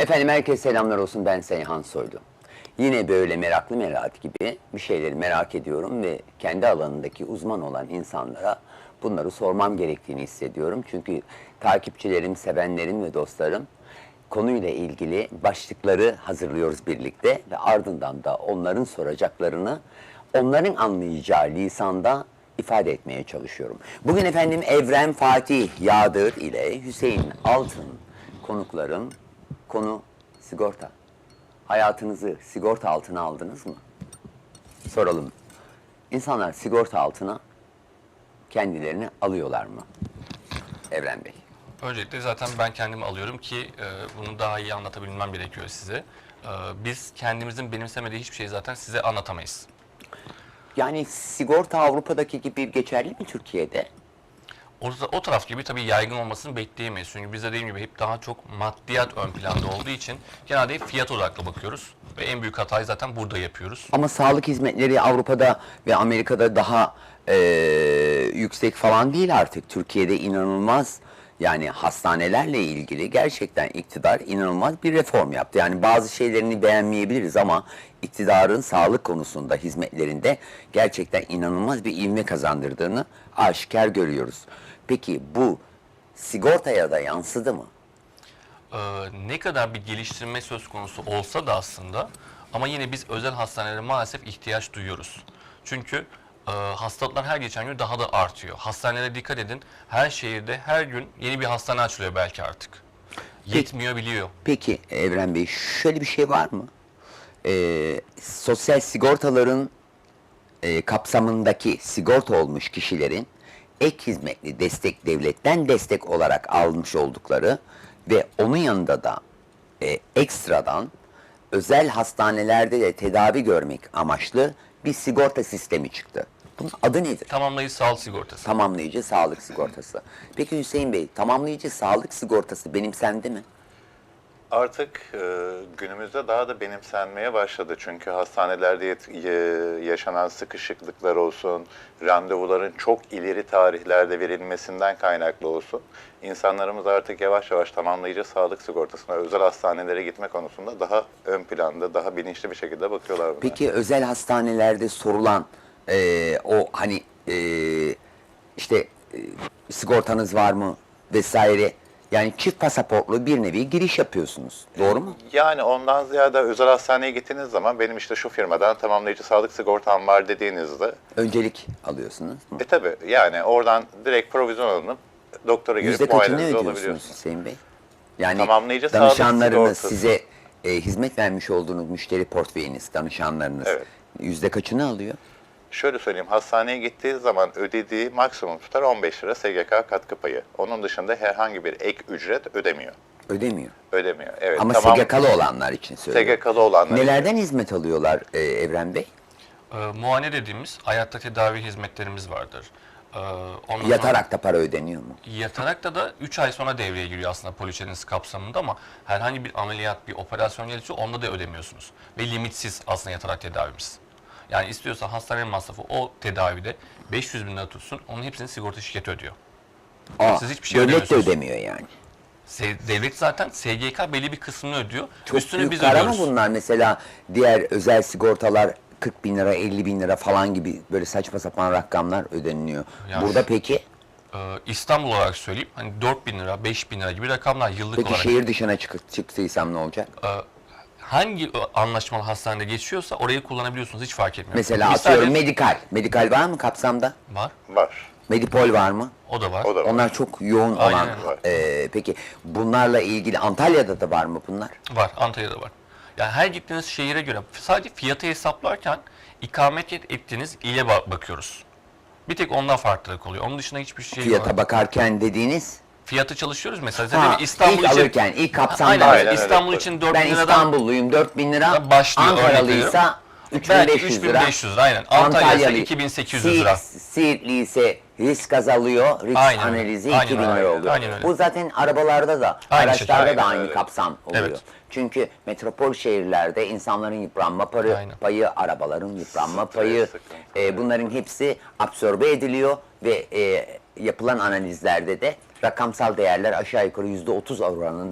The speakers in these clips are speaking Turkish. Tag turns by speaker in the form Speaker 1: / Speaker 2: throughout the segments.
Speaker 1: Efendim herkese selamlar olsun, ben Seyhan Soylu. Yine böyle meraklı merak gibi bir şeyleri merak ediyorum ve kendi alanındaki uzman olan insanlara bunları sormam gerektiğini hissediyorum. Çünkü takipçilerim, sevenlerim ve dostlarım konuyla ilgili başlıkları hazırlıyoruz birlikte ve ardından da onların soracaklarını onların anlayacağı lisanda ifade etmeye çalışıyorum. Bugün efendim Evren Fatih Yağdır ile Hüseyin Altın konuklarım. Konu sigorta. Hayatınızı sigorta altına aldınız mı? Soralım. İnsanlar sigorta altına kendilerini alıyorlar mı? Evren Bey.
Speaker 2: Öncelikle zaten ben kendimi alıyorum ki bunu daha iyi anlatabilmem gerekiyor size. Biz kendimizin benimsemediği hiçbir şeyi zaten size anlatamayız.
Speaker 1: Yani sigorta Avrupa'daki gibi geçerli mi Türkiye'de?
Speaker 2: O taraf gibi tabii yaygın olmasını bekleyemeyiz. Çünkü biz de dediğim gibi hep daha çok maddiyat ön planda olduğu için genelde hep fiyat odaklı bakıyoruz. Ve en büyük hatayı zaten burada yapıyoruz.
Speaker 1: Ama sağlık hizmetleri Avrupa'da ve Amerika'da daha yüksek falan değil artık. Türkiye'de inanılmaz, yani hastanelerle ilgili gerçekten iktidar inanılmaz bir reform yaptı. Yani bazı şeylerini beğenmeyebiliriz ama iktidarın sağlık konusunda, hizmetlerinde gerçekten inanılmaz bir ivme kazandırdığını aşikar görüyoruz. Peki bu sigortaya da yansıdı mı?
Speaker 2: Ne kadar bir geliştirme söz konusu olsa da aslında ama yine biz özel hastanelere maalesef ihtiyaç duyuyoruz. Çünkü hastalıklar her geçen gün daha da artıyor. Hastanelere dikkat edin. Her şehirde her gün yeni bir hastane açılıyor belki artık. Yetmiyor biliyor.
Speaker 1: Peki Evren Bey, şöyle bir şey var mı? Sosyal sigortaların kapsamındaki sigorta olmuş kişilerin ek hizmetli destek, devletten destek olarak almış oldukları ve onun yanında da ekstradan özel hastanelerde de tedavi görmek amaçlı bir sigorta sistemi çıktı. Bunun adı nedir?
Speaker 2: Tamamlayıcı sağlık sigortası.
Speaker 1: Tamamlayıcı sağlık sigortası. Peki Hüseyin Bey, tamamlayıcı sağlık sigortası benimsendi mi?
Speaker 3: Artık günümüzde daha da benimsenmeye başladı. Çünkü hastanelerde yaşanan sıkışıklıklar olsun, randevuların çok ileri tarihlerde verilmesinden kaynaklı olsun. İnsanlarımız artık yavaş yavaş tamamlayıcı sağlık sigortasına, özel hastanelere gitme konusunda daha ön planda, daha bilinçli bir şekilde bakıyorlar buna.
Speaker 1: Peki özel hastanelerde sorulan o hani işte sigortanız var mı vesaire, yani çift pasaportlu bir nevi giriş yapıyorsunuz. Doğru mu?
Speaker 3: Yani ondan ziyade özel hastaneye gittiğiniz zaman benim işte şu firmadan tamamlayıcı sağlık sigortam var dediğinizde
Speaker 1: Öncelik alıyorsunuz.
Speaker 3: tabii yani oradan direkt provizyon alınıp doktora girip
Speaker 1: Yüzde kaçını
Speaker 3: muayenenizi
Speaker 1: ödüyorsunuz
Speaker 3: olabiliyorsunuz.
Speaker 1: Hüseyin Bey? Yani
Speaker 3: Tamamlayıcı sağlık
Speaker 1: danışanlarınız
Speaker 3: sigortası.
Speaker 1: size hizmet vermiş olduğunuz müşteri portföyünüz, danışanlarınız
Speaker 3: Evet.
Speaker 1: yüzde kaçını alıyor?
Speaker 3: Şöyle söyleyeyim, hastaneye gittiği zaman ödediği maksimum tutar 15 lira SGK katkı payı. Onun dışında herhangi bir ek ücret ödemiyor.
Speaker 1: Ödemiyor.
Speaker 3: Ödemiyor. Evet.
Speaker 1: Ama
Speaker 3: tamam.
Speaker 1: SGK'lı olanlar için söylüyorum.
Speaker 3: SGK'lı olanlar.
Speaker 1: Nelerden hizmet alıyorlar Evren Bey?
Speaker 2: Muayene dediğimiz hayatta tedavi hizmetlerimiz vardır. Ondan
Speaker 1: Yatarak da para ödeniyor mu?
Speaker 2: Yatarak da 3 ay sonra devreye giriyor aslında poliçeniz kapsamında ama herhangi bir ameliyat, bir operasyon gelirse onda da ödemiyorsunuz. Ve limitsiz aslında yatarak tedavimiz. Yani istiyorsa hastane masrafı o tedavide 500 bin lira tutsun, onun hepsini sigorta şirketi ödüyor. Siz hiçbir şey
Speaker 1: devlet de
Speaker 2: ödemiyorsunuz.
Speaker 1: ödemiyor yani.
Speaker 2: Devlet zaten SGK belli bir kısmını ödüyor.
Speaker 1: Çok
Speaker 2: Üstünü
Speaker 1: büyük
Speaker 2: biz
Speaker 1: para mı
Speaker 2: ödüyoruz.
Speaker 1: bunlar? Mesela diğer özel sigortalar 40 bin lira, 50 bin lira falan gibi böyle saçma sapan rakamlar ödeniliyor.
Speaker 2: Yani
Speaker 1: Burada peki
Speaker 2: İstanbul olarak söyleyeyim, hani 4 bin lira, 5 bin lira gibi rakamlar yıllık
Speaker 1: peki
Speaker 2: olarak.
Speaker 1: şehir dışına çıktıysam ne olacak?
Speaker 2: Hangi anlaşmalı hastanede geçiyorsa orayı kullanabiliyorsunuz, hiç fark etmiyor.
Speaker 1: Mesela
Speaker 2: Biz
Speaker 1: atıyorum
Speaker 2: sadece-
Speaker 1: medikal. Medikal var mı kapsamda?
Speaker 2: Var,
Speaker 3: Var.
Speaker 1: Medipol var mı?
Speaker 2: o da var.
Speaker 3: O da var.
Speaker 1: Onlar çok yoğun
Speaker 2: Aynen
Speaker 1: olan.
Speaker 2: öyle.
Speaker 1: Peki bunlarla ilgili Antalya'da da var mı bunlar?
Speaker 2: Var, Antalya'da var. Yani her gittiğiniz şehire göre sadece fiyatı hesaplarken ikamet ettiğiniz ile bakıyoruz. Bir tek ondan farklılık oluyor. Onun dışında hiçbir şey
Speaker 1: Fiyata
Speaker 2: yok.
Speaker 1: bakarken dediğiniz?
Speaker 2: Fiyatı çalışıyoruz mesela.
Speaker 1: Ha,
Speaker 2: Zaten İstanbul
Speaker 1: ilk
Speaker 2: için
Speaker 1: alırken, ilk kapsamda.
Speaker 2: Aynen,
Speaker 3: Aynen öyle.
Speaker 2: İstanbul için 4
Speaker 1: Ben
Speaker 2: bin liradan
Speaker 1: İstanbulluyum, 4 bin lira.
Speaker 2: başlıyor, örnek
Speaker 1: Ankaralıysa
Speaker 2: belki
Speaker 1: 3500 lira.
Speaker 2: 3500 lira. Aynen. Antalya ise 2800 lira.
Speaker 1: Siirtli ise risk azalıyor, risk
Speaker 2: Aynen öyle.
Speaker 1: analizi
Speaker 2: Aynen
Speaker 1: 2000
Speaker 2: öyle.
Speaker 1: lira oluyor.
Speaker 2: Aynen öyle.
Speaker 1: Bu zaten arabalarda da,
Speaker 2: Aynı
Speaker 1: araçlarda
Speaker 2: şekilde.
Speaker 1: da
Speaker 3: Aynen
Speaker 1: aynı
Speaker 3: öyle.
Speaker 1: kapsam oluyor.
Speaker 2: Evet.
Speaker 1: Çünkü metropol şehirlerde insanların yıpranma
Speaker 2: Aynen.
Speaker 1: payı, arabaların yıpranma
Speaker 3: Stres,
Speaker 1: payı,
Speaker 3: sıkıntı.
Speaker 1: bunların hepsi absorbe ediliyor ve yapılan analizlerde de rakamsal değerler aşağı yukarı %30 oranında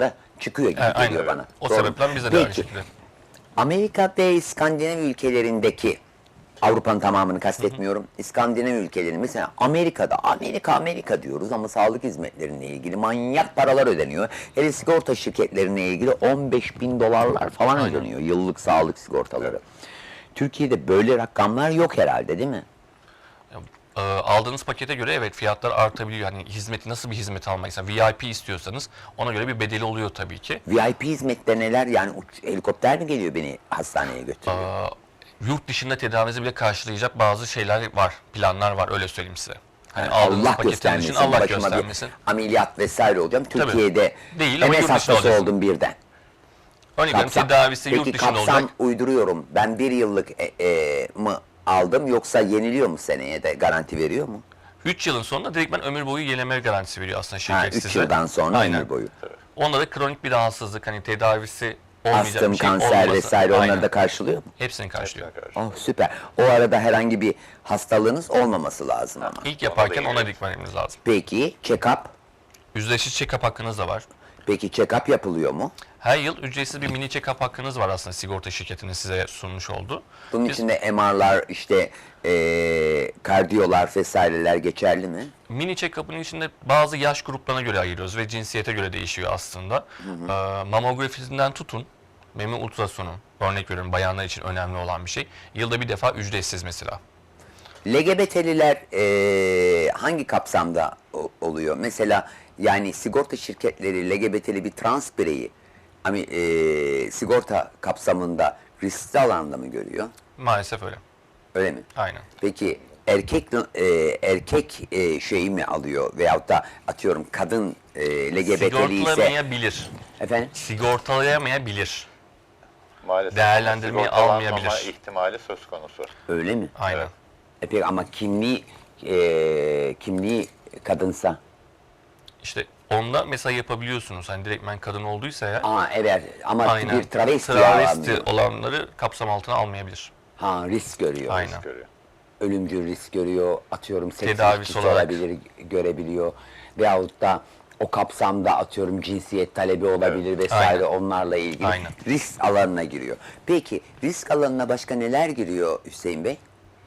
Speaker 1: çıkıyor gibi
Speaker 2: Aynen.
Speaker 1: geliyor bana.
Speaker 2: O
Speaker 1: Doğru mu?
Speaker 2: sebepten bize de aynı
Speaker 1: Peki,
Speaker 2: şekilde.
Speaker 1: Amerika ve İskandinav ülkelerindeki, Avrupa'nın tamamını kastetmiyorum, İskandinav ülkelerinin mesela Amerika'da, Amerika diyoruz ama sağlık hizmetlerine ilgili manyak paralar ödeniyor. Hele sigorta şirketlerine ilgili 15 bin dolarlar falan ödeniyor yıllık sağlık sigortaları. Türkiye'de böyle rakamlar yok herhalde, değil mi?
Speaker 2: Aldığınız pakete göre evet fiyatlar artabiliyor. Hani hizmeti nasıl bir hizmet almaysa VIP istiyorsanız ona göre bir bedeli oluyor tabii ki.
Speaker 1: VIP hizmette neler, yani helikopter mi geliyor beni hastaneye götürüyor?
Speaker 2: Yurt dışında tedavinizi bile karşılayacak bazı şeyler var, planlar var öyle söyleyeyim size. Hani aldığınız
Speaker 1: Allah
Speaker 2: paketin
Speaker 1: göstermesin,
Speaker 2: için Allah
Speaker 1: başıma
Speaker 2: göstermesin.
Speaker 1: bir ameliyat vesaire olacağım.
Speaker 2: Tabii.
Speaker 1: Türkiye'de
Speaker 2: Değil ama
Speaker 1: MS
Speaker 2: yurt dışında
Speaker 1: hastası
Speaker 2: olacaksın.
Speaker 1: oldum birden.
Speaker 2: Örneğin tedavisi yurt
Speaker 1: Peki
Speaker 2: dışında
Speaker 1: kapsam
Speaker 2: olacak.
Speaker 1: uyduruyorum. Ben bir yıllık mı aldım, yoksa yeniliyor mu, seneye de garanti veriyor mu?
Speaker 2: 3 yılın sonunda direktmen ömür boyu yenileme garantisi veriyor aslında
Speaker 1: Ha,
Speaker 2: şirket
Speaker 1: 3
Speaker 2: size.
Speaker 1: yıldan sonra
Speaker 2: Aynen.
Speaker 1: ömür boyu.
Speaker 2: Onda da kronik bir rahatsızlık hani tedavisi olmayacak
Speaker 1: Astım,
Speaker 2: bir şey
Speaker 1: kanser
Speaker 2: olması.
Speaker 1: vesaire
Speaker 2: Aynen.
Speaker 1: onları da karşılıyor mu?
Speaker 2: Hepsini karşılıyor.
Speaker 1: Oh süper. O arada herhangi bir hastalığınız olmaması lazım ama.
Speaker 2: İlk yaparken
Speaker 3: Ona da
Speaker 2: ona
Speaker 3: iyi.
Speaker 2: dikkat etmeniz lazım.
Speaker 1: Peki check-up?
Speaker 2: Yüzleşici check-up hakkınız da var.
Speaker 1: Peki check-up yapılıyor mu?
Speaker 2: Her yıl ücretsiz bir mini check-up hakkınız var aslında sigorta şirketinin size sunmuş olduğu.
Speaker 1: Bunun
Speaker 2: Biz
Speaker 1: içinde MR'lar, işte kardiyolar vesaireler geçerli mi?
Speaker 2: mini check-up'ın içinde bazı yaş gruplarına göre ayırıyoruz ve cinsiyete göre değişiyor aslında. Mamografisinden tutun, meme ultrasonu, örnek veriyorum bayanlar için önemli olan bir şey. Yılda bir defa ücretsiz mesela.
Speaker 1: LGBT'liler hangi kapsamda oluyor? Mesela yani sigorta şirketleri LGBT'li bir trans bireyi sigorta kapsamında riskli alanda mı görüyor?
Speaker 2: Maalesef öyle.
Speaker 1: Öyle mi?
Speaker 2: Aynen.
Speaker 1: Peki erkek şeyi mi alıyor, veyahut da atıyorum kadın LGBT'li ise
Speaker 2: Sigortalamayabilir.
Speaker 1: efendim?
Speaker 2: Sigortalayamayabilir.
Speaker 3: Maalesef
Speaker 2: Değerlendirmeyi
Speaker 3: sigortalanmama
Speaker 2: almayabilir.
Speaker 3: ihtimali söz konusu.
Speaker 1: Öyle mi?
Speaker 2: Aynen.
Speaker 1: Peki ama kimliği kadınsa?
Speaker 2: İşte onda mesela yapabiliyorsunuz. Hani direktmen kadın olduysa eğer.
Speaker 1: Evet, ama
Speaker 2: Aynen.
Speaker 1: bir travesti
Speaker 2: Travesti olanları kapsam altına almayabilir.
Speaker 1: risk görüyor.
Speaker 2: Aynen.
Speaker 3: Görüyor.
Speaker 1: Ölümcül risk görüyor, atıyorum seks
Speaker 2: Tedavisi
Speaker 1: ilişkisi
Speaker 2: olarak.
Speaker 1: olabilir, görebiliyor. Veyahut da o kapsamda atıyorum cinsiyet talebi olabilir vesaire,
Speaker 2: Aynen.
Speaker 1: onlarla ilgili
Speaker 2: Aynen.
Speaker 1: risk alanına giriyor. Peki risk alanına başka neler giriyor Hüseyin Bey?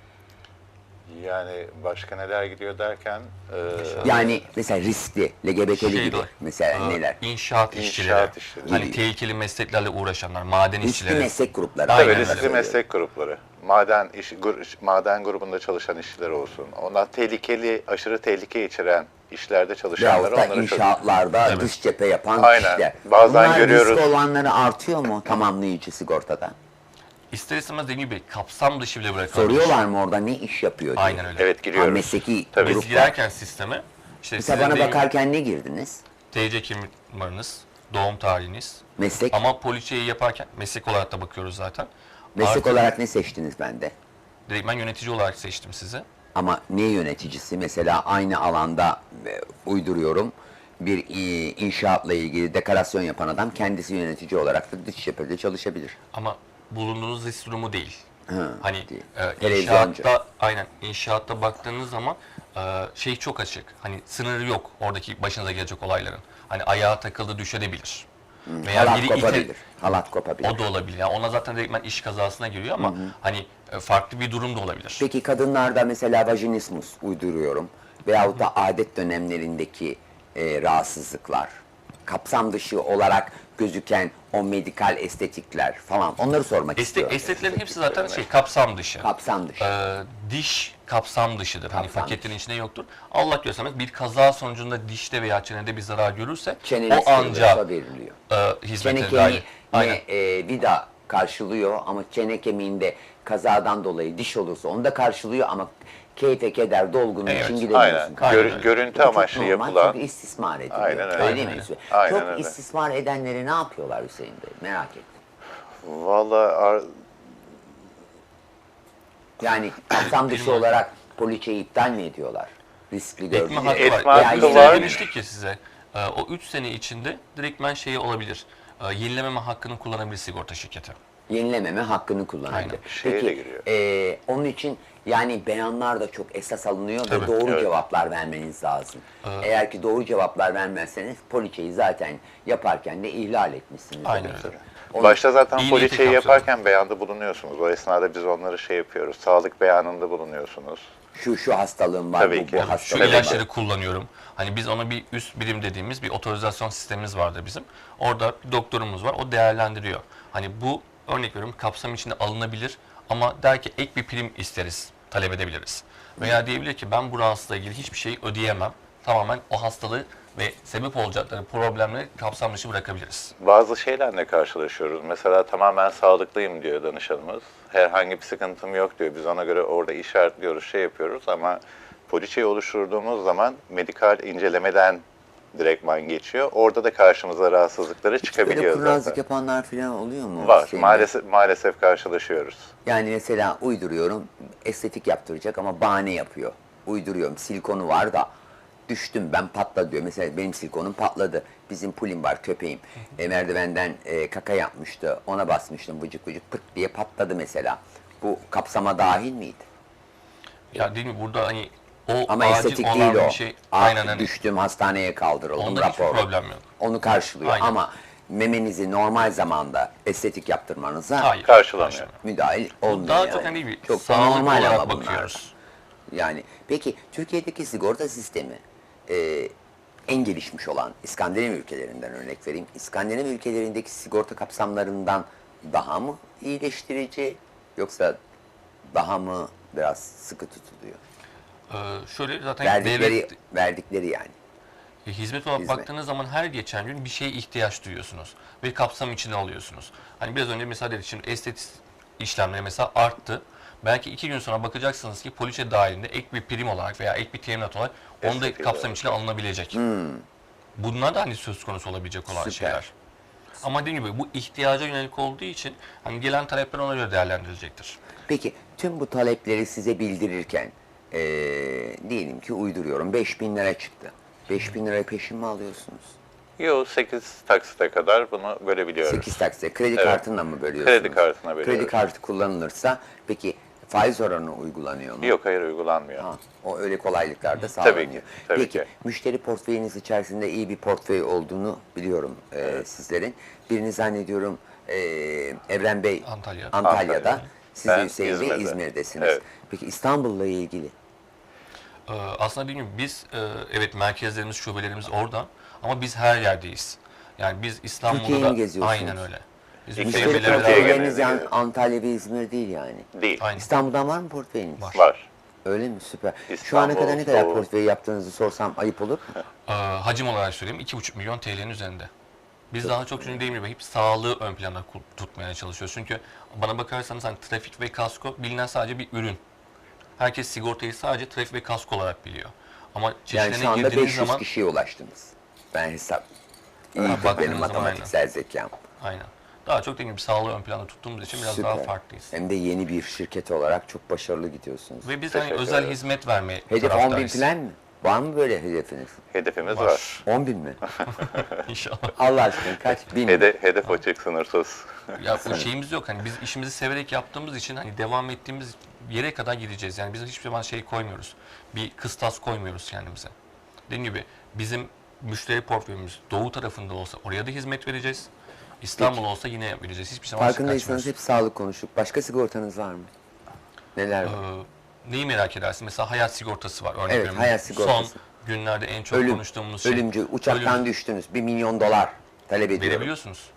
Speaker 3: Yani başka neler gidiyor derken
Speaker 1: Yani mesela riskli, LGBT'li gibi
Speaker 2: var.
Speaker 1: mesela neler?
Speaker 2: İnşaat
Speaker 3: İnşaat
Speaker 2: işçileri.
Speaker 3: işçileri.
Speaker 2: Hani
Speaker 1: Gibi.
Speaker 2: tehlikeli mesleklerle uğraşanlar, maden
Speaker 1: Riskli
Speaker 2: işçileri.
Speaker 1: meslek grupları.
Speaker 2: Aynen
Speaker 3: tabii
Speaker 2: öyle.
Speaker 3: riskli meslek grupları. Maden grubunda çalışan işçiler olsun. Onlar tehlikeli, aşırı tehlike içeren işlerde çalışanlar
Speaker 1: Veyahut da
Speaker 3: onları
Speaker 1: inşaatlarda dış cephe yapan
Speaker 3: Aynen.
Speaker 1: kişiler.
Speaker 3: Bazen
Speaker 1: Bunlar
Speaker 3: görüyoruz.
Speaker 1: riskli olanları artıyor mu tamamlayıcı sigortada?
Speaker 2: İster istemez dediğim gibi kapsam dışı bile bırakılmış.
Speaker 1: Soruyorlar mı orada ne iş yapıyor diye?
Speaker 2: Aynen öyle.
Speaker 3: Evet giriyoruz.
Speaker 1: Mesleki
Speaker 3: Tabii.
Speaker 2: Biz
Speaker 1: gruplar.
Speaker 2: girerken sisteme işte
Speaker 1: Mesela
Speaker 2: sizin
Speaker 1: bana
Speaker 2: dediğim
Speaker 1: bakarken ne girdiniz?
Speaker 2: TC kimlik numaranız, doğum tarihiniz.
Speaker 1: Meslek.
Speaker 2: Ama poliçeyi yaparken meslek olarak da bakıyoruz zaten.
Speaker 1: Meslek
Speaker 2: Artı
Speaker 1: olarak ne seçtiniz bende?
Speaker 2: direkt ben yönetici olarak seçtim sizi.
Speaker 1: Ama ne yöneticisi? Mesela aynı alanda uyduruyorum. Bir inşaatla ilgili dekorasyon yapan adam kendisi yönetici olarak da dış cephede çalışabilir.
Speaker 2: Ama bulunduğunuz risk durumu değil. Hani
Speaker 1: değil.
Speaker 2: inşaatta
Speaker 1: Televizyoncu.
Speaker 2: inşaatta baktığınız zaman şey çok açık. Hani sınırı yok oradaki başınıza gelecek olayların. Hani ayağa takıldı düşebilir. Veya
Speaker 1: Halat
Speaker 2: biri
Speaker 1: kopabilir. Halat kopabilir.
Speaker 2: o da olabilir. Yani ona zaten direktmen iş kazasına giriyor ama hani farklı bir durum da olabilir.
Speaker 1: Peki kadınlarda mesela vajinismus uyduruyorum. Veyahut da adet dönemlerindeki rahatsızlıklar. Kapsam dışı olarak gözüken o medikal estetikler falan, onları sormak istiyorum.
Speaker 2: Estetlerin hepsi zaten kapsam dışı.
Speaker 1: Kapsam dışı.
Speaker 2: Diş kapsam dışıdır. Hani
Speaker 1: Kapsam
Speaker 2: paketin içinde yoktur. Allah göstermez bir kaza sonucunda dişte veya çenede bir zarar görürse
Speaker 1: Çeneli
Speaker 2: o ancak
Speaker 1: veriliyor.
Speaker 2: hizmete
Speaker 1: Çene
Speaker 2: dahil.
Speaker 1: kemiği
Speaker 2: Aynen.
Speaker 1: vida karşılıyor ama çene kemiğinde kazadan dolayı diş olursa onu da karşılıyor ama keyfe keder dolgunun
Speaker 2: Evet,
Speaker 1: için gidemiyorsun.
Speaker 3: Aynen.
Speaker 2: Aynen öyle.
Speaker 3: Görüntü
Speaker 1: Bu çok
Speaker 3: amaçlı
Speaker 1: normal,
Speaker 3: yapılan.
Speaker 1: çok istismar ediliyor.
Speaker 3: Aynen öyle.
Speaker 1: Öyle değil mi
Speaker 2: Aynen
Speaker 1: Hüseyin?
Speaker 3: Aynen
Speaker 1: Çok
Speaker 3: öyle.
Speaker 1: istismar edenleri ne yapıyorlar Hüseyin Bey? Merak ettim.
Speaker 3: Vallahi
Speaker 1: Yani kapsam dışı olarak poliçeyi iptal mi ediyorlar? Riskli
Speaker 2: Etme
Speaker 1: gördüğünüz.
Speaker 2: hakkı
Speaker 3: Etme
Speaker 2: var.
Speaker 3: hakkı
Speaker 2: Biz
Speaker 3: var.
Speaker 2: demiştik ki size o 3 sene içinde direktmen şeyi olabilir. Yenilememe hakkını kullanabilir sigorta şirketi.
Speaker 1: Yenilememe hakkını kullanacak.
Speaker 2: Aynen.
Speaker 3: Şeye de giriyor.
Speaker 1: Onun için yani beyanlar da çok esas alınıyor ve
Speaker 2: Tabii,
Speaker 1: doğru
Speaker 3: evet.
Speaker 1: cevaplar vermeniz lazım. Eğer ki doğru cevaplar vermezseniz poliçeyi zaten yaparken de ihlal etmişsiniz.
Speaker 2: Aynen
Speaker 1: demektir.
Speaker 2: öyle.
Speaker 1: Onun-
Speaker 3: Başta zaten
Speaker 2: İyi
Speaker 3: poliçeyi
Speaker 2: niyeti
Speaker 3: yaparken beyanda bulunuyorsunuz. O esnada biz onları şey yapıyoruz. Sağlık beyanında bulunuyorsunuz.
Speaker 1: şu hastalığım var,
Speaker 3: Tabii
Speaker 1: bu
Speaker 3: ki.
Speaker 2: Şu
Speaker 1: hastalığım var.
Speaker 2: ilaçları kullanıyorum. Hani biz ona bir üst birim dediğimiz bir otorizasyon sistemimiz vardır bizim. Orada bir doktorumuz var. O değerlendiriyor. Hani bu örnek veriyorum kapsam içinde alınabilir ama der ki ek bir prim isteriz, talep edebiliriz. Veya diyebilir ki ben bu rahatsızlıkla ilgili hiçbir şey ödeyemem. Tamamen o hastalığı ve sebep olacakları problemleri kapsam dışı bırakabiliriz.
Speaker 3: Bazı şeylerle karşılaşıyoruz. Mesela tamamen sağlıklıyım diyor danışanımız. Herhangi bir sıkıntım yok diyor. Biz ona göre orada işaretliyoruz, şey yapıyoruz ama poliçeyi oluşturduğumuz zaman medikal incelemeden direktman geçiyor. Orada da karşımıza rahatsızlıkları
Speaker 1: Böyle
Speaker 3: çıkabiliyor
Speaker 1: kurnazlık
Speaker 3: zaten.
Speaker 1: yapanlar falan oluyor mu?
Speaker 3: Var.
Speaker 1: Şeyinde?
Speaker 3: Maalesef karşılaşıyoruz.
Speaker 1: Yani mesela uyduruyorum, estetik yaptıracak ama bahane yapıyor. Uyduruyorum, silikonu var da düştüm ben patladı diyor. Mesela benim silikonum patladı. Bizim pulim var, köpeğim. Merdivenden kaka yapmıştı, ona basmıştım vıcık vıcık pıt diye patladı mesela. Bu kapsama dahil miydi?
Speaker 2: Ya değil mi burada hani o
Speaker 1: Ama
Speaker 2: acil
Speaker 1: estetik
Speaker 2: olan
Speaker 1: değil o.
Speaker 2: bir şey. Aynen hani.
Speaker 1: Düştüm, hastaneye kaldırıldım,
Speaker 2: Onda hiçbir
Speaker 1: rapor.
Speaker 2: problem yok.
Speaker 1: Onu karşılıyor
Speaker 2: Aynen.
Speaker 1: ama memenizi normal zamanda estetik yaptırmanıza
Speaker 2: Hayır.
Speaker 3: Karşılamıyor.
Speaker 1: müdahil olmuyor.
Speaker 2: Daha
Speaker 1: yani.
Speaker 2: çok hani bir
Speaker 1: Çok da
Speaker 2: sağlık
Speaker 1: normal
Speaker 2: olarak
Speaker 1: ama bunlar.
Speaker 2: bakıyoruz.
Speaker 1: Yani peki Türkiye'deki sigorta sistemi en gelişmiş olan İskandinav ülkelerinden örnek vereyim. İskandinav ülkelerindeki sigorta kapsamlarından daha mı iyileştirici yoksa daha mı biraz sıkı tutuluyor?
Speaker 2: Şöyle zaten
Speaker 1: Verdikleri yani.
Speaker 2: hizmet olarak
Speaker 1: Hizmet.
Speaker 2: baktığınız zaman her geçen gün bir şeye ihtiyaç duyuyorsunuz. Bir kapsam içine alıyorsunuz. Hani biraz önce mesela dedik şimdi estetik işlemleri mesela arttı. Belki 2 gün sonra bakacaksınız ki poliçe dahilinde ek bir prim olarak veya ek bir teminat olarak onu da
Speaker 3: Estetik
Speaker 2: kapsam
Speaker 3: olarak.
Speaker 2: içine alınabilecek. Bunlar da hani söz konusu olabilecek olan
Speaker 1: Süper.
Speaker 2: şeyler. Ama dediğim gibi bu ihtiyaca yönelik olduğu için hani gelen talepler ona göre değerlendirilecektir.
Speaker 1: Peki tüm bu talepleri size bildirirken diyelim ki uyduruyorum 5.000 lira çıktı. 5.000 lirayı peşin mi alıyorsunuz?
Speaker 3: Yo 8 taksite kadar bunu bölebiliyoruz.
Speaker 1: 8 taksitle kredi
Speaker 3: Evet.
Speaker 1: kartıyla mı bölüyorsunuz?
Speaker 3: Kredi kartına bölüyoruz.
Speaker 1: Kredi kartı kullanılırsa peki faiz oranı uygulanıyor mu?
Speaker 3: Yok hayır uygulanmıyor.
Speaker 1: Ha, o öyle kolaylıklar da sağlanıyor.
Speaker 3: ki, tabii
Speaker 1: Peki
Speaker 3: ki.
Speaker 1: müşteri portföyünüz içerisinde iyi bir portföy olduğunu biliyorum sizlerin. Birini zannediyorum Evren Bey
Speaker 2: Antalya.
Speaker 1: Antalya'da.
Speaker 3: Antalya'da.
Speaker 1: Siz de
Speaker 3: Ben
Speaker 1: Hüseyin Bey
Speaker 3: İzmir'de.
Speaker 1: İzmir'desiniz.
Speaker 3: Evet.
Speaker 1: Peki İstanbul'la ilgili
Speaker 2: Aslında dediğim gibi biz evet merkezlerimiz, şubelerimiz orada ama biz her yerdeyiz. Yani biz İstanbul'da
Speaker 1: Türkiye'yi
Speaker 2: da
Speaker 1: mi geziyorsunuz?
Speaker 2: aynen öyle. Biz
Speaker 3: İlk
Speaker 1: müşteri
Speaker 3: Türkiye'ye
Speaker 1: portföyleriniz
Speaker 3: genelde
Speaker 1: yani
Speaker 3: gidiyoruz.
Speaker 1: Antalya ve İzmir değil yani.
Speaker 3: Değil.
Speaker 2: Aynen.
Speaker 1: İstanbul'dan var mı portföyünüz?
Speaker 2: Var.
Speaker 3: Var.
Speaker 1: Öyle mi? Süper. Şu
Speaker 3: İstanbul,
Speaker 1: ana kadar ne kadar
Speaker 3: Doğu.
Speaker 1: portföy yaptığınızı sorsam ayıp olur mu?
Speaker 2: Hacim olarak söyleyeyim 2,5 milyon TL'nin üzerinde. Biz daha çok çünkü dediğim gibi hep sağlığı ön planda tutmaya çalışıyoruz. Çünkü bana bakarsanız hani trafik ve kasko bilinen sadece bir ürün. Herkes sigortayı sadece trafik ve kasko olarak biliyor. Ama
Speaker 1: Yani
Speaker 2: çeşitlerine
Speaker 1: şu anda
Speaker 2: girdiğiniz
Speaker 1: 500
Speaker 2: zaman
Speaker 1: kişiye ulaştınız. Ben hesap. İyi
Speaker 2: baktığınız
Speaker 1: benim
Speaker 2: zaman
Speaker 1: matematiksel zekam.
Speaker 2: aynen. Daha çok dediğim gibi sağlığı ön planda tuttuğumuz için biraz daha
Speaker 1: Süper.
Speaker 2: farklıyız.
Speaker 1: Hem de yeni bir şirket olarak çok başarılı gidiyorsunuz.
Speaker 2: Ve biz hani
Speaker 3: Teşekkür
Speaker 2: özel
Speaker 3: ederim.
Speaker 2: hizmet vermeye
Speaker 1: Hedef 10.000
Speaker 2: taraftarıyız.
Speaker 1: falan mı? Var mı böyle hedefiniz?
Speaker 3: Hedefimiz
Speaker 2: Var.
Speaker 3: var.
Speaker 1: 10.000 mi?
Speaker 2: İnşallah.
Speaker 1: Allah aşkına kaç? 1000 mi?
Speaker 3: Hedef açık sınırsız.
Speaker 2: Ya o şeyimiz yok hani biz işimizi severek yaptığımız için hani devam ettiğimiz yere kadar gideceğiz. Yani biz hiçbir zaman şey koymuyoruz. Bir kıstas koymuyoruz kendimize. Dediğim gibi bizim müşteri portföyümüz doğu tarafında olsa oraya da hizmet vereceğiz. İstanbul olsa yine vereceğiz. Hiçbir zaman
Speaker 1: Farkındaysanız
Speaker 2: kaçmıyoruz.
Speaker 1: hep sağlık konuştuk. Başka sigortanız var mı? Neler var?
Speaker 2: Neyi merak edersin? Mesela hayat sigortası var. Örnek
Speaker 1: Evet,
Speaker 2: veriyorum.
Speaker 1: hayat sigortası.
Speaker 2: Son günlerde en çok konuştuğumuz şey.
Speaker 1: Ölümcül, uçaktan
Speaker 2: ölüm.
Speaker 1: düştünüz. $1 milyon talep ediyorum.
Speaker 2: Verebiliyorsunuz.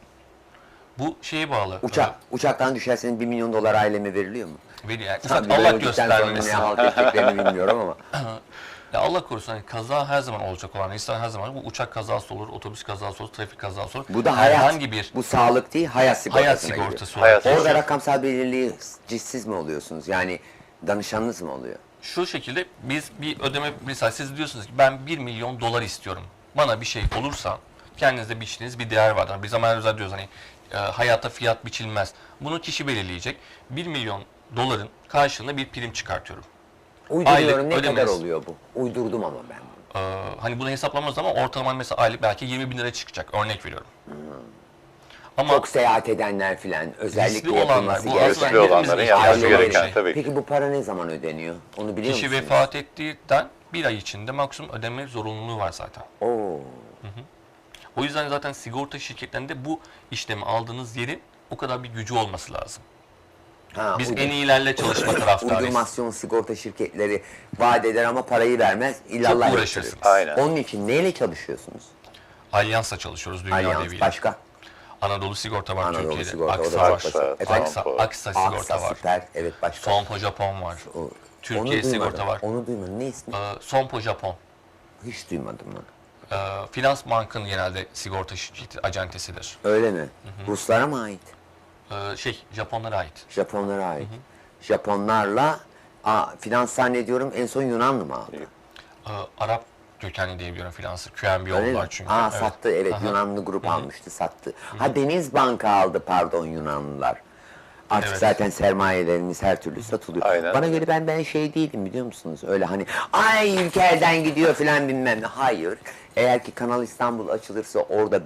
Speaker 2: Bu şeye bağlı.
Speaker 1: Uçaktan düşerseniz $1 milyon aileme veriliyor mu?
Speaker 2: Yani
Speaker 1: Tabii
Speaker 2: Allah
Speaker 1: öldükten sonra
Speaker 2: göstermesin.
Speaker 1: ne halt edeceklerini bilmiyorum ama.
Speaker 2: Ya Allah korusun hani kaza her zaman olacak olan insan her zaman bu uçak kazası olur, otobüs kazası olur, trafik kazası olur.
Speaker 1: Bu da hayat.
Speaker 2: Herhangi bir
Speaker 1: Bu sağlık değil, hayat sigortasına
Speaker 2: hayat
Speaker 1: giriyor.
Speaker 2: sigortası
Speaker 3: Hayat
Speaker 2: olarak.
Speaker 1: Orada rakamsal belirliği siz mi oluyorsunuz? Yani danışanınız mı oluyor?
Speaker 2: Şu şekilde biz bir ödeme mesela siz diyorsunuz ki ben 1 milyon dolar istiyorum. Bana bir şey olursa kendinizde biçtiğiniz bir değer vardır. Biz zamanımızda diyoruz hani hayata fiyat biçilmez. Bunu kişi belirleyecek. 1 milyon doların karşılığında bir prim çıkartıyorum.
Speaker 1: Uyduruyorum,
Speaker 2: Aylık
Speaker 1: ne kadar
Speaker 2: ödemesi.
Speaker 1: oluyor bu? Uydurdum ama ben bunu.
Speaker 2: Hani bunu hesaplamamız zaman ortalama mesela aylık belki 20 bin lira çıkacak. Örnek veriyorum. Ama
Speaker 1: Çok seyahat edenler filan özellikle
Speaker 2: olanlar,
Speaker 1: yapılması
Speaker 2: bu
Speaker 1: gereken.
Speaker 3: Riskli
Speaker 2: aslında
Speaker 3: olanların
Speaker 2: hepimizin
Speaker 3: yapması
Speaker 2: ihtiyacı olan bir
Speaker 3: gereken
Speaker 2: şey.
Speaker 3: tabii ki.
Speaker 1: Peki bu para ne zaman ödeniyor? Onu biliyor
Speaker 2: Kişi
Speaker 1: musunuz?
Speaker 2: vefat ettiğinden bir ay içinde maksimum ödeme zorunluluğu var zaten.
Speaker 1: Oo.
Speaker 2: O yüzden zaten sigorta şirketlerinde bu işlemi aldığınız yerin o kadar bir gücü olması lazım.
Speaker 1: Ha,
Speaker 2: Biz
Speaker 1: uydur-
Speaker 2: en iyilerle çalışma taraftarıyız.
Speaker 1: Uydurmasyon sigorta şirketleri vaat eder ama parayı vermez. İllallah
Speaker 2: Çok
Speaker 1: yaptırır.
Speaker 2: uğraşırsınız.
Speaker 3: Aynen.
Speaker 1: Onun için neyle çalışıyorsunuz?
Speaker 2: Alyans'la çalışıyoruz dünya
Speaker 1: Alyans,
Speaker 2: deviyle.
Speaker 1: başka?
Speaker 2: Anadolu Sigorta var
Speaker 1: Anadolu
Speaker 2: Türkiye'de.
Speaker 1: Sigorta, o da
Speaker 2: Aksa
Speaker 1: çok
Speaker 2: var.
Speaker 1: basit.
Speaker 3: Aksa,
Speaker 1: Efendim?
Speaker 2: Aksa Sigorta
Speaker 1: Aksa
Speaker 2: var.
Speaker 1: süper. Evet, başka.
Speaker 2: Sompo Japon var.
Speaker 1: O-
Speaker 2: Türkiye
Speaker 1: onu duymadım.
Speaker 2: Sigorta var.
Speaker 1: Onu duymadım. Ne ismi?
Speaker 2: Sompo Japon.
Speaker 1: Hiç duymadım onu.
Speaker 2: Finans Bank'ın genelde sigorta şirketi, acentesidir.
Speaker 1: Öyle mi? Ruslara mı ait?
Speaker 2: Japonlara ait.
Speaker 1: Japonlara ait. Japonlarla finans zannediyorum en son Yunanlı mı aldı?
Speaker 2: Arap kökenli diyebiliyorum finansı. QNB
Speaker 1: Öyle mi?
Speaker 2: oldular çünkü. Evet.
Speaker 1: Sattı, evet. Yunanlı grup almıştı, sattı. Deniz Banka aldı, pardon, Yunanlılar. Artık
Speaker 2: Evet.
Speaker 1: zaten sermayelerimiz her türlü satılıyor.
Speaker 3: Aynen.
Speaker 1: Bana göre ben şey değilim, biliyor musunuz? Öyle hani ay ülke elden gidiyor filan bilmem ne. Hayır. Eğer ki Kanal İstanbul açılırsa orada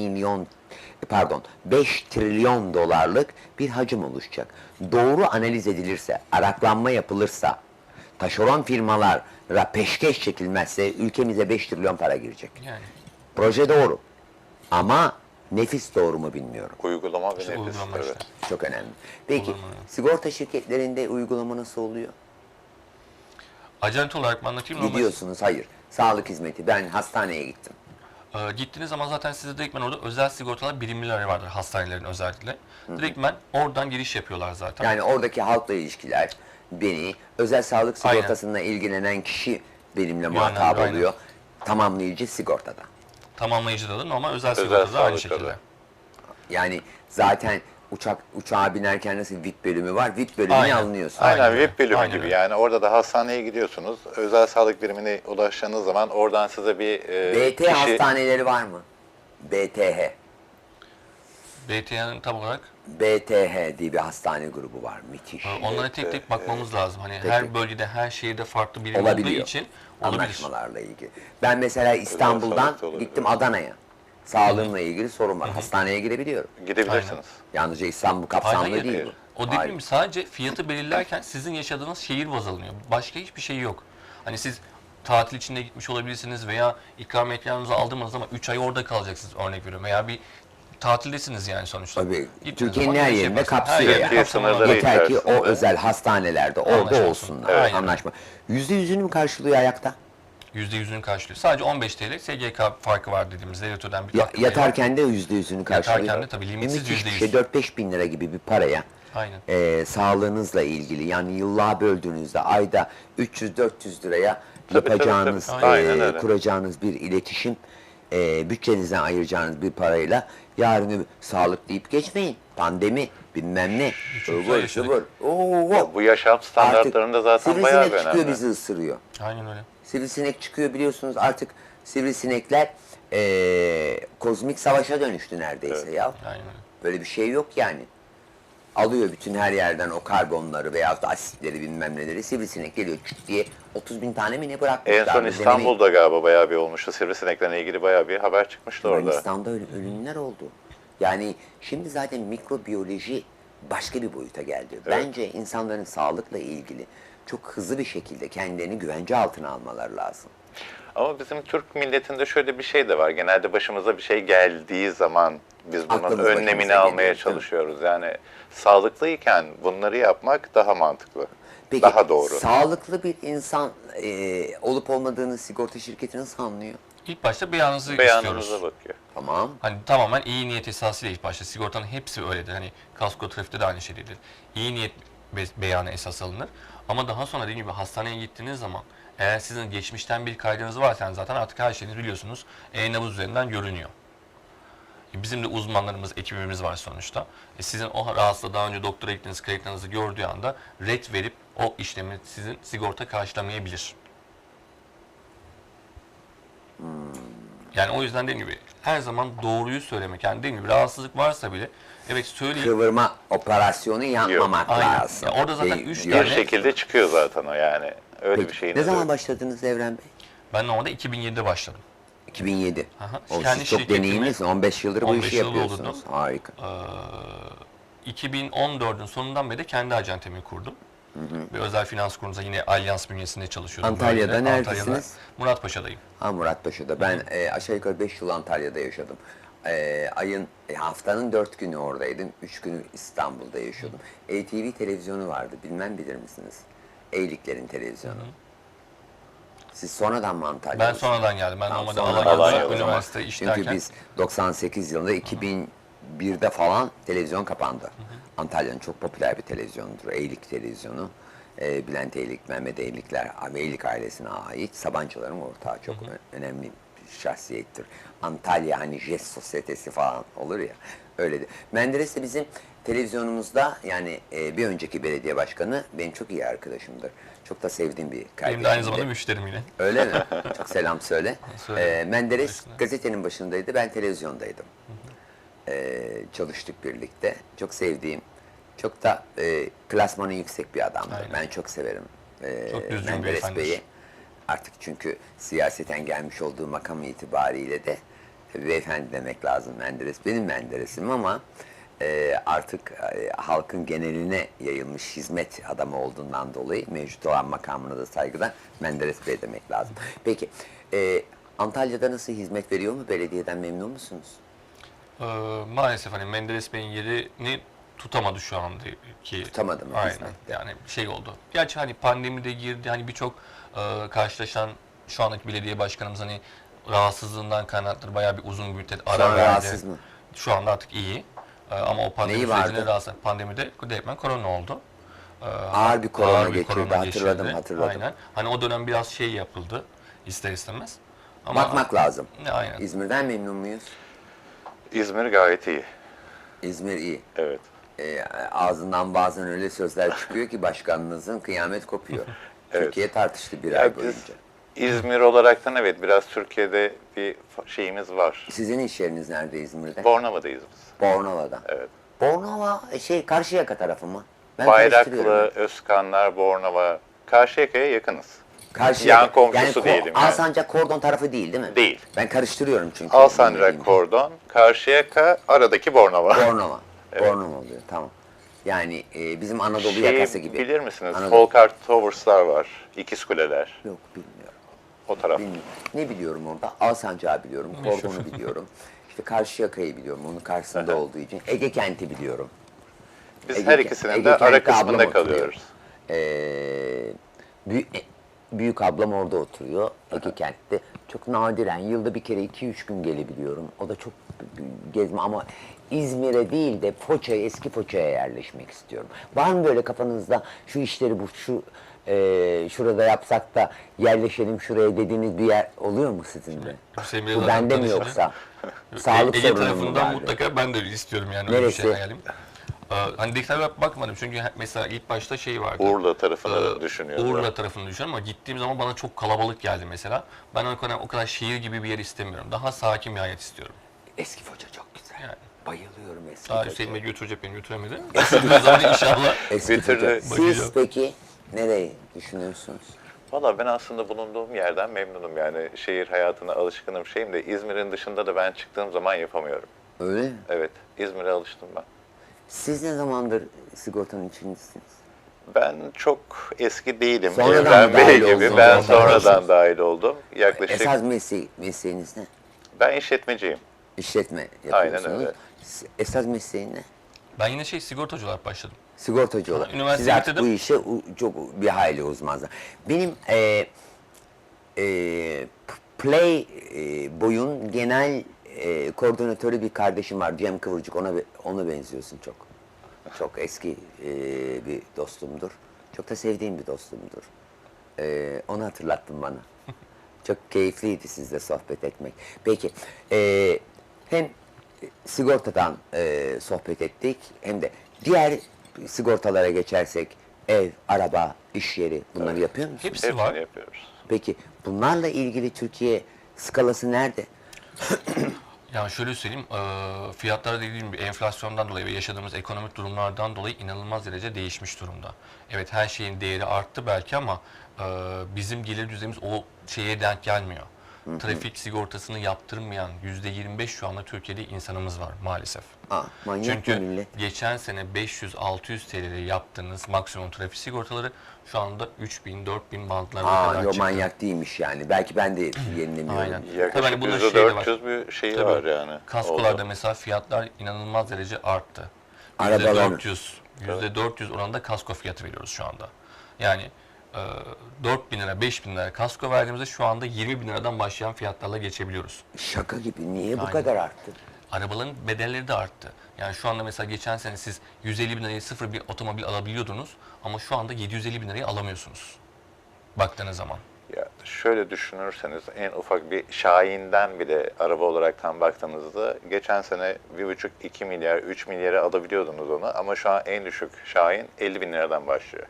Speaker 1: 5 trilyon dolarlık bir hacim oluşacak. Doğru analiz edilirse, araklanma yapılırsa, taşeron firmalara peşkeş çekilmezse ülkemize 5 trilyon para girecek.
Speaker 2: Yani
Speaker 1: Proje doğru. Ama nefis doğru mu bilmiyorum.
Speaker 3: Uygulama ve
Speaker 2: işte
Speaker 3: nefis.
Speaker 2: uygulama
Speaker 3: Evet.
Speaker 2: işte.
Speaker 1: Çok önemli. Peki
Speaker 2: Olur mu?
Speaker 1: sigorta şirketlerinde uygulama nasıl oluyor?
Speaker 2: Acente olarak mı anlatayım? Normal-
Speaker 1: Gidiyorsunuz, hayır. Sağlık hizmeti. Ben hastaneye gittim.
Speaker 2: Gittiğiniz zaman zaten size direktmen orada özel sigortalar birimleri vardır hastanelerin özellikle. Direktmen oradan giriş yapıyorlar zaten.
Speaker 1: Yani oradaki halkla ilişkiler beni, özel sağlık
Speaker 2: Aynen.
Speaker 1: sigortasına ilgilenen kişi benimle muhatap
Speaker 2: aynen.
Speaker 1: oluyor. Tamamlayıcı sigortada.
Speaker 2: Tamamlayıcıda da normal özel
Speaker 3: Özel
Speaker 2: sigortada da aynı
Speaker 3: sağlıkta da.
Speaker 2: şekilde.
Speaker 1: Yani zaten uçağa binerken nasıl VIP bölümü var, VIP bölümüne
Speaker 2: Aynen.
Speaker 1: alınıyorsun.
Speaker 3: Aynen,
Speaker 2: Aynen öyle.
Speaker 3: VIP bölümü
Speaker 2: Aynen
Speaker 3: gibi.
Speaker 2: öyle.
Speaker 3: Yani orada da hastaneye gidiyorsunuz. Özel sağlık birimine ulaştığınız zaman oradan size bir
Speaker 1: BT
Speaker 3: kişi...
Speaker 1: hastaneleri var mı? BTH.
Speaker 2: BT'nin tam olarak
Speaker 1: BTH diye bir hastane grubu var. Müthiş.
Speaker 2: onlara tek tek bakmamız lazım. Hani
Speaker 1: Tek
Speaker 2: her
Speaker 1: tek.
Speaker 2: bölgede, her şehirde farklı birim olduğu
Speaker 1: Olabiliyor.
Speaker 2: için olabilir.
Speaker 1: Anlaşmalarla ilgili. Ben mesela İstanbul'dan
Speaker 3: sağlıkta olabilir.
Speaker 1: gittim Adana'ya. Sağlığımla ilgili sorun var. Hastaneye girebiliyorum.
Speaker 3: Gidebilirsiniz.
Speaker 1: Yalnızca İstanbul kapsamlı
Speaker 2: Hayır,
Speaker 1: değil
Speaker 3: hayır.
Speaker 1: bu.
Speaker 2: O dediğim
Speaker 1: Hayır.
Speaker 2: gibi sadece fiyatı belirlerken sizin yaşadığınız şehir baz alınıyor. Başka hiçbir şey yok. Hani siz tatil içinde gitmiş olabilirsiniz veya ikramiyetlerinizi aldığınız zaman 3 ay orada kalacaksınız örnek veriyorum. Veya bir tatildesiniz yani sonuçta.
Speaker 1: Tabii.
Speaker 2: Gittiğiniz
Speaker 1: Türkiye'nin
Speaker 2: zaman
Speaker 1: her
Speaker 2: giriş
Speaker 1: yerinde
Speaker 2: yaparsınız.
Speaker 1: kapsıyor
Speaker 2: Her
Speaker 1: yani.
Speaker 2: yerde kapsamlı
Speaker 3: Sınırları
Speaker 2: var.
Speaker 1: Yeter ki o
Speaker 3: içerisinde.
Speaker 1: özel hastanelerde orada
Speaker 2: Anlaşma olsun.
Speaker 1: olsunlar.
Speaker 2: Evet. Aynen.
Speaker 1: Anlaşma. %100'ünü mü karşılıyor ayakta?
Speaker 2: %100'ünü karşılıyor. Sadece 15 TL SGK farkı var dediğimiz devletörden bir katkı payı var.
Speaker 1: Yatarken de %100'ünü karşılıyor.
Speaker 2: Yatarken de tabii limitsiz
Speaker 1: Müthiş bir
Speaker 2: %100.
Speaker 1: şey. 4-5 bin lira gibi bir paraya
Speaker 2: Aynen.
Speaker 1: sağlığınızla ilgili, yani yıllığa böldüğünüzde ayda 300-400 liraya
Speaker 3: Tabii,
Speaker 1: yapacağınız,
Speaker 3: tabii. Aynen öyle.
Speaker 1: kuracağınız bir iletişim, bütçenizden ayıracağınız bir parayla yarın sağlık deyip geçmeyin. Pandemi, bilmem ne.
Speaker 2: güzel
Speaker 1: Ivır
Speaker 2: yaşadık.
Speaker 1: zıvır. Oo,
Speaker 3: Bu yaşam standartlarında zaten bayağı bir
Speaker 1: sivrisinek çıkıyor,
Speaker 3: önemli.
Speaker 1: bizi ısırıyor.
Speaker 2: Aynen öyle.
Speaker 1: Sivrisinek çıkıyor, biliyorsunuz artık sivrisinekler kozmik savaşa dönüştü neredeyse ya.
Speaker 2: Aynen öyle.
Speaker 1: Böyle bir şey yok yani. Alıyor bütün her yerden o karbonları veyahut da asitleri bilmem neleri. Sivrisinek geliyor küt diye 30 bin tane mi ne bırakmışlar.
Speaker 3: En son
Speaker 1: Denemeyin.
Speaker 3: İstanbul'da galiba bayağı bir olmuştu. Sivrisineklerle ilgili bayağı bir haber çıkmıştı orada.
Speaker 1: Yunanistan'da ölümler oldu. Yani şimdi zaten mikrobiyoloji başka bir boyuta geldi. Bence insanların sağlıkla ilgili çok hızlı bir şekilde kendilerini güvence altına almaları lazım.
Speaker 3: Ama bizim Türk milletinde şöyle bir şey de var. Genelde başımıza bir şey geldiği zaman biz bunun
Speaker 1: Aklımız başımıza
Speaker 3: önlemini
Speaker 1: geliyor,
Speaker 3: almaya
Speaker 1: değil mi?
Speaker 3: çalışıyoruz. Yani sağlıklıyken bunları yapmak daha mantıklı.
Speaker 1: Peki
Speaker 3: Daha doğru.
Speaker 1: sağlıklı bir insan olup olmadığını sigorta şirketi nasıl anlıyor?
Speaker 2: İlk başta beyanınızı istiyoruz.
Speaker 3: Beyanınıza bakıyor.
Speaker 1: Tamam.
Speaker 2: Hani tamamen iyi niyet esasıyla ilk başta. Sigortanın hepsi öyledir. Hani kasko trafikte de aynı şeydir. İyi niyet beyanı esas alınır. Ama daha sonra dediğim gibi hastaneye gittiğiniz zaman eğer sizin geçmişten bir kaydınız varsa zaten artık her şeyinizi biliyorsunuz. E-nabız üzerinden görünüyor. Bizim de uzmanlarımız, ekibimiz var sonuçta. Sizin o rahatsızlığı daha önce doktora gittiğiniz kayıtlarınızı gördüğü anda ret verip o işlemi sizin sigorta karşılamayabilir. Yani o yüzden dediğim gibi her zaman doğruyu söylemek. Yani dediğim gibi rahatsızlık varsa bile evet söyleyin.
Speaker 1: Kıvırma operasyonu yapmamak
Speaker 2: Aynen.
Speaker 1: lazım.
Speaker 2: Ya orada zaten
Speaker 1: Değil,
Speaker 2: üç
Speaker 1: diyor.
Speaker 3: Bir
Speaker 2: tane-
Speaker 3: şekilde çıkıyor zaten o yani. Öyle
Speaker 1: Peki,
Speaker 3: bir şeyin
Speaker 1: ne
Speaker 3: de
Speaker 1: zaman
Speaker 3: yok.
Speaker 1: başladınız Evren Bey?
Speaker 2: Ben normalde 2007'de başladım.
Speaker 1: 2007.
Speaker 2: Aha,
Speaker 1: O,
Speaker 2: kendi
Speaker 1: siz çok
Speaker 2: şirketimi-
Speaker 1: deneyimlisin. 15 yıldır bu
Speaker 2: 15
Speaker 1: işi
Speaker 2: yıl
Speaker 1: yapıyorsunuz.
Speaker 2: oldu.
Speaker 1: Harika.
Speaker 2: 2014'ün sonundan beri de kendi acentemi kurdum. Bir özel finans kurumunda yine Alyans bünyesinde çalışıyordum.
Speaker 1: Antalya'da
Speaker 2: Böylece
Speaker 1: neredesiniz?
Speaker 2: Muratpaşa'dayım.
Speaker 1: Ha, Muratpaşa'da. Ben aşağı yukarı 5 yıl Antalya'da yaşadım. Haftanın 4 günü oradaydım. 3 günü İstanbul'da yaşıyordum. ATV televizyonu vardı. Bilmem bilir misiniz? Eyliklerin televizyonu. Siz sonradan mı Antalya'da?
Speaker 2: Ben sonradan geldim. Ben normalde
Speaker 1: sonradan
Speaker 2: Alanya'da
Speaker 3: Alanya'da.
Speaker 2: üniversite işlerken.
Speaker 1: Çünkü biz 98 yılında 2001'de falan televizyon kapandı. Antalya'nın çok popüler bir televizyonudur. Eylik televizyonu. Bülent Eylik, Mehmet Eylikler, Eylik ailesine ait Sabancıların ortağı çok önemli bir şahsiyettir. Antalya hani jest sosyetesi falan olur ya, öyle de. Menderes de bizim televizyonumuzda, yani bir önceki belediye başkanı benim çok iyi arkadaşımdır. Çok da sevdiğim bir kardeşimdir.
Speaker 2: Benim de aynı zamanda müşterim yine.
Speaker 1: Öyle mi? Çok selam söyle.
Speaker 2: Söyle.
Speaker 1: Menderes
Speaker 2: Başına.
Speaker 1: gazetenin başındaydı, ben televizyondaydım. Çalıştık birlikte. Çok sevdiğim, çok da klasmanı yüksek bir adamdır.
Speaker 2: Aynen.
Speaker 1: Ben çok severim
Speaker 2: Çok düzgün bir
Speaker 1: Menderes
Speaker 2: beyefendidir.
Speaker 1: Bey'i. Artık çünkü siyaseten gelmiş olduğu makam itibariyle de beyefendi demek lazım. Menderes benim Menderes'im ama artık halkın geneline yayılmış hizmet adamı olduğundan dolayı mevcut olan makamına da saygıdan Menderes Bey demek lazım. Peki Antalya'da nasıl hizmet veriyor mu? Belediyeden memnun musunuz?
Speaker 2: Maalesef hani Menderes Bey'in yerini tutamadı şu andaki.
Speaker 1: Tutamadı mı
Speaker 2: Aynen.
Speaker 1: hizmette?
Speaker 2: Yani şey oldu. Gerçi hani pandemide girdi. Hani birçok karşılaşan şu andaki belediye başkanımız hani rahatsızlığından kaynaklı bayağı bir uzun müddet ara
Speaker 1: Şu an
Speaker 2: verdi.
Speaker 1: rahatsız mı?
Speaker 2: Şu anda artık iyi. Ama o pandemi
Speaker 1: Neyi
Speaker 2: sürecinde
Speaker 1: vardı?
Speaker 2: rahatsız. Pandemide direktmen korona oldu.
Speaker 1: Ağır bir korona
Speaker 2: Ağır bir
Speaker 1: geçirdi,
Speaker 2: korona
Speaker 1: hatırladım,
Speaker 2: geçirdi.
Speaker 1: hatırladım.
Speaker 2: Aynen. Hani o dönem biraz şey yapıldı ister istemez. Ama
Speaker 1: Bakmak lazım.
Speaker 2: Aynen.
Speaker 1: İzmir'den memnun muyuz?
Speaker 3: İzmir gayet iyi.
Speaker 1: İzmir iyi.
Speaker 3: Evet.
Speaker 1: Ağzından bazen öyle sözler çıkıyor ki başkanınızın kıyamet kopuyor.
Speaker 3: Evet.
Speaker 1: Türkiye tartıştı bir
Speaker 3: Ya
Speaker 1: ay
Speaker 3: biz
Speaker 1: boyunca.
Speaker 3: İzmir olaraktan evet biraz Türkiye'de bir şeyimiz var.
Speaker 1: Sizin iş yeriniz nerede İzmir'de?
Speaker 3: Bornova'dayız biz.
Speaker 1: Bornova'da.
Speaker 3: Evet.
Speaker 1: Bornova Karşıyaka tarafı mı? Ben
Speaker 3: Bayraklı,
Speaker 1: karıştırıyorum.
Speaker 3: Özkanlar, Bornova. Karşıyaka'ya yakınız.
Speaker 1: Karşıyaka.
Speaker 3: yan komşusu diyelim yani.
Speaker 1: Alsancak Kordon tarafı değil mi?
Speaker 3: Değil.
Speaker 1: Ben karıştırıyorum çünkü.
Speaker 3: Alsancak,
Speaker 1: bilmediğim.
Speaker 3: Kordon, Karşıyaka, aradaki Bornova.
Speaker 1: Bornova. Bornova oluyor, tamam. Yani bizim Anadolu yakası gibi.
Speaker 3: Bilir misiniz?
Speaker 1: Anadolu-
Speaker 3: Folkart Towers'lar var. İkiz Kuleler.
Speaker 1: Yok, bilmiyorum.
Speaker 3: O taraf.
Speaker 1: Bilmiyorum. Ne biliyorum orada? Alsancak'ı biliyorum, Kordon'u biliyorum. İşte Karşıyaka'yı biliyorum, onun karşısında olduğu için. Ege Kent'i biliyorum.
Speaker 3: Biz
Speaker 1: Ege
Speaker 3: her
Speaker 1: Kent-
Speaker 3: ikisinin
Speaker 1: Ege
Speaker 3: de ara
Speaker 1: Kent'te ablam
Speaker 3: kısmında
Speaker 1: oturuyor.
Speaker 3: kalıyoruz.
Speaker 1: Büyük ablam orada oturuyor, Ege Kent'te. Çok nadiren, yılda bir kere 2-3 gün gelebiliyorum. O da çok gezme ama İzmir'e değil de Foça'ya, eski Foça'ya yerleşmek istiyorum. Var mı böyle kafanızda şu işleri şurada yapsak da yerleşelim şuraya dediğiniz bir yer oluyor mu sizin de?
Speaker 2: Hüseyin Bey'le
Speaker 1: Bu
Speaker 2: zaten
Speaker 1: bende mi
Speaker 2: tanışınca-
Speaker 1: yoksa? Sağlık
Speaker 2: Ege
Speaker 1: sorunu mu
Speaker 2: tarafından
Speaker 1: vardı?
Speaker 2: mutlaka ben de öyle istiyorum yani öyle bir
Speaker 1: Neresi?
Speaker 2: şey hayalim. Hani detaylara bakmadım çünkü mesela ilk başta şey vardı.
Speaker 3: Urla tarafını
Speaker 2: Ee,
Speaker 3: düşünüyorum.
Speaker 2: Urla tarafını düşünüyorum ama gittiğim zaman bana çok kalabalık geldi mesela. Ben o kadar şehir gibi bir yer istemiyorum. Daha sakin bir hayat istiyorum.
Speaker 1: Eski Foça çok güzel.
Speaker 2: Yani.
Speaker 1: Bayılıyorum eski
Speaker 2: Daha
Speaker 1: Foça'ya.
Speaker 2: Hüseyin Bey götürecek beni götüremedi. O zaman inşallah.
Speaker 1: Eski
Speaker 3: Bir türlü-
Speaker 1: Foça.
Speaker 2: Bakacağım.
Speaker 1: Siz peki nereyi düşünüyorsunuz?
Speaker 3: Valla ben aslında bulunduğum yerden memnunum yani şehir hayatına alışkınım şeyim de İzmir'in dışında da ben çıktığım zaman yapamıyorum.
Speaker 1: Öyle mi?
Speaker 3: Evet, İzmir'e alıştım ben.
Speaker 1: Siz ne zamandır sigortanın içindesiniz?
Speaker 3: Ben çok eski değilim.
Speaker 1: Sonradan
Speaker 3: Evren
Speaker 1: mı dahil
Speaker 3: Bey gibi.
Speaker 1: oldunuz?
Speaker 3: Ben
Speaker 1: Sonradan
Speaker 3: sonradan dahil oldum. Yaklaşık
Speaker 1: Esas mesleğiniz ne?
Speaker 3: ben işletmeciyim.
Speaker 1: İşletme yapıyorsunuz.
Speaker 3: Aynen öyle.
Speaker 1: Esas mesleğin ne?
Speaker 2: Ben yine sigortacı olarak başladım.
Speaker 1: Sigortacı olarak.
Speaker 2: Üniversite
Speaker 1: Siz artık
Speaker 2: bitirdim.
Speaker 1: bu işe çok bir hayli uzmansınız. Benim Playboy'un genel koordinatörü bir kardeşim var, Cem Kıvırcık. Ona benziyorsun çok. Çok eski bir dostumdur. Çok da sevdiğim bir dostumdur. Onu hatırlattın bana. Çok keyifliydi sizle sohbet etmek. Peki, hem sigortadan sohbet ettik hem de diğer sigortalara geçersek ev, araba, iş yeri bunları yapıyor musunuz?
Speaker 2: Hepsi
Speaker 3: Hepsini
Speaker 2: var.
Speaker 3: yapıyoruz.
Speaker 1: Peki bunlarla ilgili Türkiye skalası nerede?
Speaker 2: Yani şöyle söyleyeyim, fiyatlar dediğim gibi enflasyondan dolayı ve yaşadığımız ekonomik durumlardan dolayı inanılmaz derece değişmiş durumda. Evet her şeyin değeri arttı belki ama bizim gelir düzeyimiz o şeye denk gelmiyor. trafik sigortasını yaptırmayan %25 şu anda Türkiye'de insanımız var maalesef.
Speaker 1: Manyak mı
Speaker 2: Çünkü
Speaker 1: millet?
Speaker 2: geçen sene 500-600 TL'ye yaptığınız maksimum trafik sigortaları şu anda 3000-4000 bandlarına kadar
Speaker 1: Yok,
Speaker 2: çıktı.
Speaker 1: manyak değilmiş yani. Belki ben de yenilemiyorum.
Speaker 2: Aynen. Tabii
Speaker 3: Yaklaşık
Speaker 2: hani bunda şey de var.
Speaker 3: %400 bir şey
Speaker 2: Tabii.
Speaker 3: var yani.
Speaker 2: Kaskolarda
Speaker 3: Oldu.
Speaker 2: mesela fiyatlar inanılmaz derece arttı.
Speaker 1: Arabalar-
Speaker 2: %400 oranında kasko fiyatı veriyoruz şu anda. Yani 4.000 lira, 5.000 lira kasko verdiğimizde şu anda 20.000 liradan başlayan fiyatlarla geçebiliyoruz.
Speaker 1: Şaka gibi. Niye bu
Speaker 2: Aynen.
Speaker 1: kadar arttı?
Speaker 2: Arabaların bedelleri de arttı. Yani şu anda mesela geçen sene siz 150 bin liraya sıfır bir otomobil alabiliyordunuz ama şu anda 750 bin liraya alamıyorsunuz. Baktığınız zaman.
Speaker 3: Ya şöyle düşünürseniz en ufak bir Şahin'den bile araba olaraktan baktığınızda geçen sene 1,5-2 milyar, 3 milyara alabiliyordunuz onu ama şu an en düşük Şahin 50 bin liradan başlıyor.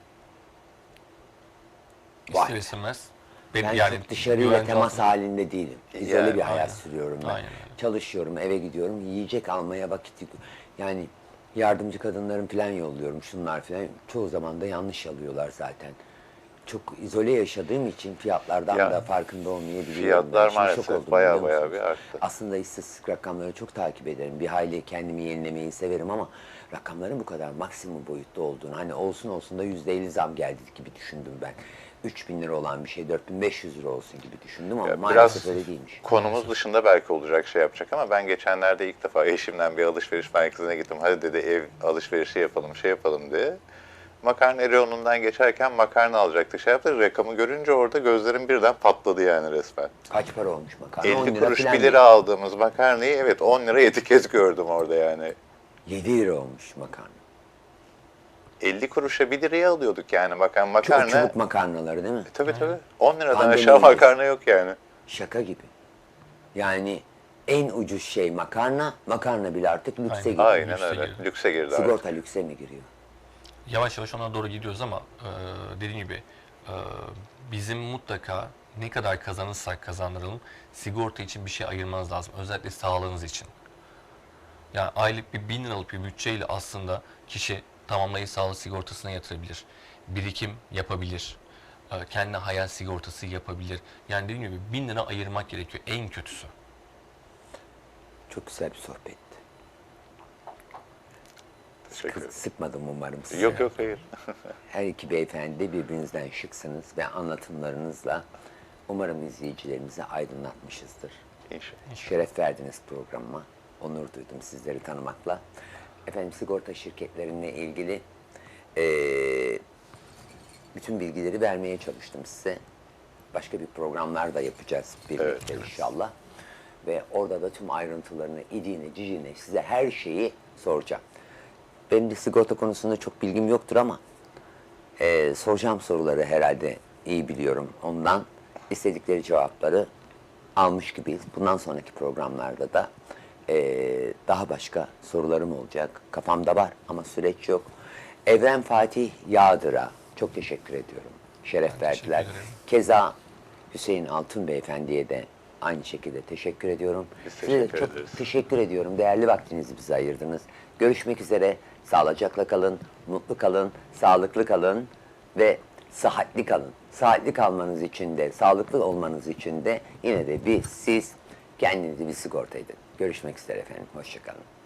Speaker 1: Vay.
Speaker 2: İster istemez.
Speaker 1: Ben çok dışarıyla
Speaker 2: güvence
Speaker 1: temas
Speaker 2: altında-
Speaker 1: halinde değilim. İzole
Speaker 3: Yani,
Speaker 1: bir hayat
Speaker 2: aynen.
Speaker 1: sürüyorum ben.
Speaker 2: Aynen öyle.
Speaker 1: Çalışıyorum, eve gidiyorum, yiyecek almaya yani yardımcı kadınlarım falan yolluyorum, şunlar falan. Çoğu zaman da yanlış alıyorlar zaten. Çok izole yaşadığım için fiyatlardan
Speaker 3: Ya,
Speaker 1: da farkında olmayabiliyorum.
Speaker 3: Fiyatlar
Speaker 1: Ben şimdi şok
Speaker 3: maalesef
Speaker 1: oldum,
Speaker 3: baya
Speaker 1: biliyor
Speaker 3: baya
Speaker 1: musunuz?
Speaker 3: bir arttı.
Speaker 1: Aslında istatistik rakamları çok takip ederim. Bir hayli kendimi yenilemeyi severim ama rakamların bu kadar maksimum boyutta olduğunu, hani olsun da %50 zam geldi gibi düşündüm ben. 3.000 lira olan bir şey 4.500 lira olsun gibi düşündüm ama
Speaker 3: Ya
Speaker 1: maalesef
Speaker 3: biraz
Speaker 1: öyle değilmiş.
Speaker 3: konumuz dışında belki olacak şey yapacak ama ben geçenlerde ilk defa eşimden bir alışveriş merkezine gittim. Hadi dedi ev alışverişi yapalım, şey yapalım diye. Makarna reyonundan geçerken makarna alacaktık. Şey yaptık, rakamı görünce orada gözlerim birden patladı yani resmen.
Speaker 1: Kaç para olmuş makarna? 10
Speaker 3: 50
Speaker 1: lira
Speaker 3: kuruş
Speaker 1: falan
Speaker 3: 1 lira aldığımız makarnayı evet 10 lira etiket gördüm orada yani.
Speaker 1: 7 lira olmuş makarna.
Speaker 3: 50 kuruşa 1 liraya alıyorduk yani
Speaker 1: Çok
Speaker 3: makarna.
Speaker 1: çubuk makarnaları değil mi?
Speaker 3: Tabii. 10 liradan
Speaker 1: Pandemi
Speaker 3: aşağı
Speaker 1: öncesi.
Speaker 3: makarna yok yani.
Speaker 1: Şaka gibi. Yani en ucuz şey makarna, makarna bile artık lükse
Speaker 2: Aynen.
Speaker 1: giriyor.
Speaker 3: Aynen
Speaker 2: Lükse
Speaker 3: öyle.
Speaker 2: girdi.
Speaker 3: Lükse girdi artık.
Speaker 1: Sigorta lükse mi giriyor?
Speaker 2: Yavaş yavaş ona doğru gidiyoruz ama dediğim gibi bizim mutlaka ne kadar kazanırsak kazandıralım sigorta için bir şey ayırmanız lazım. Özellikle sağlığınız için. Yani aylık bir 1.000 liralık bir bütçeyle aslında kişi tamamlayıcı sağlık sigortasına yatırabilir. Birikim yapabilir. Kendine hayat sigortası yapabilir. Yani dediğim gibi 1.000 lira ayırmak gerekiyor en kötüsü.
Speaker 1: Çok güzel bir sohbetti.
Speaker 3: Teşekkür ederim.
Speaker 1: Sıkmadım umarım sizi.
Speaker 3: Yok hayır.
Speaker 1: Her iki beyefendi de birbirinizden şıksınız ve anlatımlarınızla umarım izleyicilerimizi aydınlatmışızdır.
Speaker 3: İnşallah.
Speaker 1: Şeref verdiniz programıma. Onur duydum sizleri tanımakla. Efendim sigorta şirketlerinle ilgili bütün bilgileri vermeye çalıştım size. Başka bir programlar da yapacağız birlikte inşallah. Ve orada da tüm ayrıntılarını, idiğine, ciciğine size her şeyi soracağım. Benim de sigorta konusunda çok bilgim yoktur ama soracağım soruları herhalde iyi biliyorum. Ondan istedikleri cevapları almış gibiyiz. Bundan sonraki programlarda da daha başka sorularım olacak. Kafamda var ama süreç yok. Evren Fatih Yağdır'a çok teşekkür ediyorum. Şeref verdiler.
Speaker 2: ederim.
Speaker 1: Keza Hüseyin Altun Beyefendi'ye de aynı şekilde teşekkür ediyorum.
Speaker 3: Biz
Speaker 1: Size de
Speaker 3: teşekkür
Speaker 1: çok
Speaker 3: ederiz.
Speaker 1: teşekkür ediyorum. Değerli vaktinizi bize ayırdınız. Görüşmek üzere. Sağlıcakla kalın, mutlu kalın, sağlıklı kalın ve sıhhatli kalın. Sıhhatli kalmanız için de, sağlıklı olmanız için de yine de siz kendinizi bir sigorta edin. Görüşmek üzere efendim. Hoşça kalın.